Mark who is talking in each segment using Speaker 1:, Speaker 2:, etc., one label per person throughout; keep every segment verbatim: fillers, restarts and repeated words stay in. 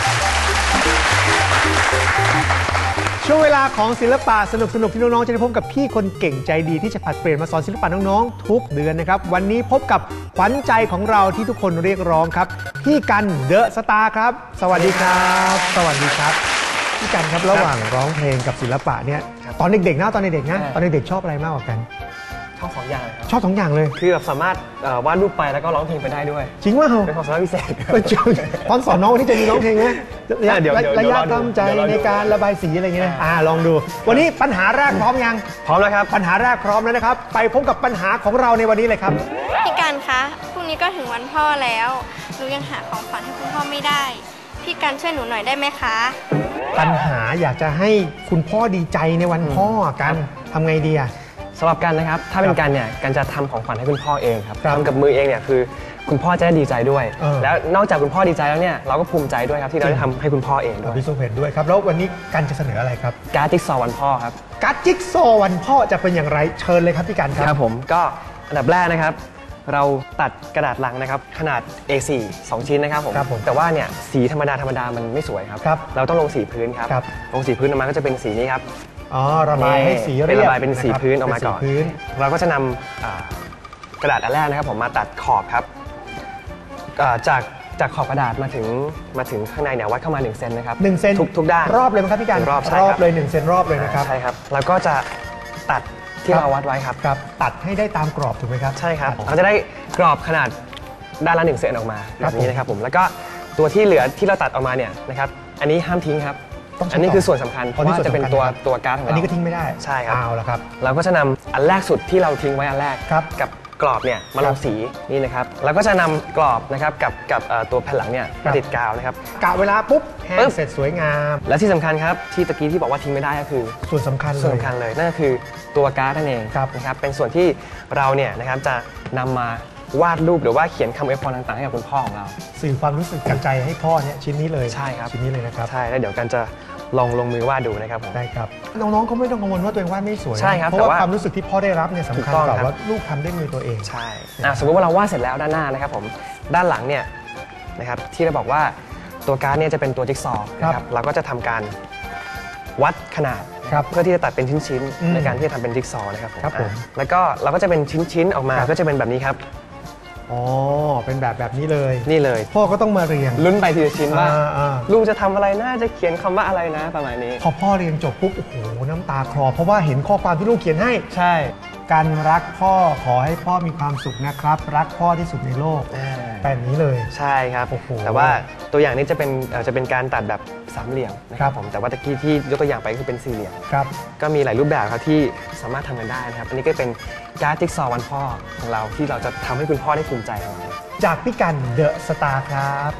Speaker 1: ช่วงเวลาของศิลปะสนุกสนุกที่น้องๆจะได้พบกับพี่คนเก่งใจดีที่จะผลัดเปลี่ยนมาสอนศิลปะน้องๆทุกเดือนนะครับวันนี้พบกับขวัญใจของเราที่ทุกคนเรียกร้องครับพี่กันเดอะสตาร์ครับสวัสดีครับสวัสดีครับพี่กันครับระหว่างร้องเพลงกับศิลปะเนี่ยตอนเด็กๆนะตอนเด็กๆนะตอนเด็กๆชอบอะไรมากกว่ากัน
Speaker 2: ชอบสองอย่างเลยครับ
Speaker 1: ชอบสองอย่างเลย
Speaker 2: คือแบบสามารถวาดรูปไปแล้วก็ร้องเพลงไปได้ด้วย
Speaker 1: จริงว่าเหรอ
Speaker 2: เป็นความสามารถพิเศษ
Speaker 1: ตอนสอนน้องวันนี้จะมีร้องเพลงไหมระยะตั้งใจในการระบายสีอะไรอย่างเงี้ยอ่าลองดูวันนี้ปัญหาแรกพร้อมยัง
Speaker 2: พร้อมแล้วครับ
Speaker 1: ปัญหาแรกพร้อมแล้วนะครับไปพบกับปัญหาของเราในวันนี้เลยครับ
Speaker 3: พี่กันคะพรุ่งนี้ก็ถึงวันพ่อแล้วหนูยังหาของขวัญให้คุณพ่อไม่ได้พี่กันช่วยหนูหน่อยได้ไหมคะ
Speaker 1: ปัญหาอยากจะให้คุณพ่อดีใจในวันพ่อกันทำไงดีอะ
Speaker 2: สำหรับกันนะครับถ้าเป็นกันเนี่ยกันจะทำของขวัญให้คุณพ่อเองครับทำกับมือเองเนี่ยคือคุณพ่อจะได้ดีใจด้วยแล้วนอกจากคุณพ่อดีใจแล้วเนี่ยเราก็ภูมิใจด้วยครับที่เราได้ทำให้คุณพ่อเองด้วย
Speaker 1: พี่สุเพชรด้วยครับแล้ววันนี้กันจะเสนออะไรครับ
Speaker 2: การ์ดจิ๊กซอว์วันพ่อครับ
Speaker 1: การ์ดจิ๊กซอว์วันพ่อจะเป็นอย่างไรเชิญเลยครับพี่กันครับ
Speaker 2: ครับผมก็อันดับแรกนะครับเราตัดกระดาษลังนะครับขนาด เอ โฟร์ สองชิ้นนะครับผมแต่ว่าเนี่ยสีธรรมดาธรรมดามันไม่สวยครับเราต้องลงสีพื้นครับลงสีพื้นออกมาก็จะเป็นสีนี้ครับ
Speaker 1: อ๋อระบายให้สีเรียบ
Speaker 2: ระบายเป็นสีพื้นออกมาก่อนเราก็จะนำกระดาษอันแรกนะครับผมมาตัดขอบครับจากจากขอบกระดาษมาถึงมาถึงข้างในเนี่ยวัดเข้ามาหนึ่งเซนนะครับ
Speaker 1: หนึ่งเซน
Speaker 2: ทุกทุกด้าน
Speaker 1: รอบเลยไหมครับพี่กัน
Speaker 2: รอบ
Speaker 1: รอบเลยหนึ่งเซนรอบเลยนะครับ
Speaker 2: ใช่ครับแล้วก็จะตัดที่เราวัดไว้ครับ
Speaker 1: ครับตัดให้ได้ตามกรอบถูกไหมครับ
Speaker 2: ใช่ครับเราจะได้กรอบขนาดด้านละหนึ่งเซนออกมาแบบนี้นะครับผมแล้วก็ตัวที่เหลือที่เราตัดออกมาเนี่ยนะครับอันนี้ห้ามทิ้งครับอันนี้คือส่วนสำคัญเพราะว่าจะเป็นตัวตัวการ์ดของเรา
Speaker 1: อันนี้ก็ทิ้งไม่ได้
Speaker 2: ใช่ครับ
Speaker 1: เอาละครับ
Speaker 2: เราก็จะนำอันแรกสุดที่เราทิ้งไว้อันแรกกับกรอบเนี่ยมาลงสีนี่นะครับแล้วก็จะนำกรอบนะครับกับกับตัวแผ่นหลังเนี่ยมาติดกาวนะครับ
Speaker 1: กะเวลาปุ๊บแห้งเสร็จสวยงาม
Speaker 2: และที่สำคัญครับที่ตะกี้ที่บอกว่าทิ้งไม่ได้ก็คือ
Speaker 1: ส่วนสำคัญเลย
Speaker 2: ส่วนสำคัญเลยนั่นก็คือตัวการ์ดนั่นเองนะครับเป็นส่วนที่เราเนี่ยนะครับจะนำมาวาดรูปหรือว่าเขียนคำอวยพรต่างๆให้กับคุณพ่อของเรา
Speaker 1: สื่อความรู้สึกจากใจให้พ่อเนี่ยชิ้นนี้เลย
Speaker 2: ใช่ครับ
Speaker 1: ชิ้นนี้เลยนะครับ
Speaker 2: ใช่แล้วเดี๋ยวกันจะลองลงมือวาดดูนะครับผม
Speaker 1: ได้ครับน้องๆเขาไม่ต้องกังวลว่าตัวเองวาดไม่สวย
Speaker 2: ใช่ครับ
Speaker 1: เพราะว่าความรู้สึกที่พ่อได้รับเนี่ยสำคัญกว่าว่าลูกทำด้วยมือตัวเอง
Speaker 2: ใช่สมมติว่าเราวาดเสร็จแล้วด้านหน้านะครับผมด้านหลังเนี่ยนะครับที่เราบอกว่าตัวการ์ดเนี่ยจะเป็นตัวจิ๊กซอว์นะครับเราก็จะทำการวัดขนาดเพื่อที่จะตัดเป็นชิ้นๆในการที่จะทำเป็นจิ๊กซอว์นะครับผมแล้วก็เราก็จะเป็นชิ้นๆออกมาก็จะเป็นแบบนี้ครับ
Speaker 1: อ๋อเป็นแบบแบบนี้เลย
Speaker 2: นี่เลย
Speaker 1: พ่อก็ต้องมาเรียง
Speaker 2: ลุ้นไปทีละชิ้นว่าลูกจะทำอะไรนะจะเขียนคำว่าอะไรนะประมาณนี้
Speaker 1: พอพ่อเรียงจบปุ๊บโอ้โหน้ำตาคลอเพราะว่าเห็นข้อความที่ลูกเขียนให้
Speaker 2: ใช่
Speaker 1: การรักพ่อขอให้พ่อมีความสุขนะครับรักพ่อที่สุดในโลกแบบนี้เลย
Speaker 2: ใช่ครับแต่ว่าตัวอย่างนี้จะเป็นจะเป็นการตัดแบบสามเหลี่ยมนะครับผมแต่ว่าตะกี้ที่ยกตัวอย่างไปคือเป็นสี่เหลี่ยม
Speaker 1: ครับ
Speaker 2: ก็มีหลายรูปแบบครับที่สามารถทำกันได้นะครับอันนี้ก็เป็นการ์ดจิ๊กซอว์วันพ่อของเราที่เราจะทำให้คุณพ่อได้ภูมิใจของเรา
Speaker 1: จากพี่กันเดอะสตาร์ครับ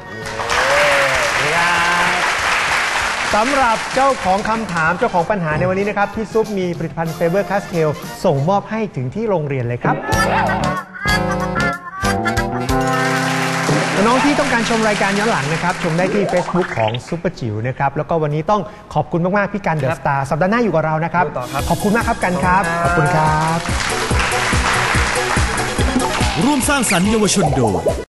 Speaker 1: สำหรับเจ้าของคำถามเจ้าของปัญหาในวันนี้นะครับพี่ซุปมีผลิตภัณฑ์เฟเบอร์คาสเทลส่งมอบให้ถึงที่โรงเรียนเลยครับน้องที่ต้องการชมรายการย้อนหลังนะครับชมได้ที่ Facebook ของซุปเปอร์จิ๋วนะครับแล้วก็วันนี้ต้องขอบคุณมากๆพี่กันเดอะสตาร์สัปดาห์หน้าอยู่กับเรานะครับขอบคุณมากครับกันครับขอบคุณครับ
Speaker 4: ร่วมสร้างสรรค์เยาวชนโดย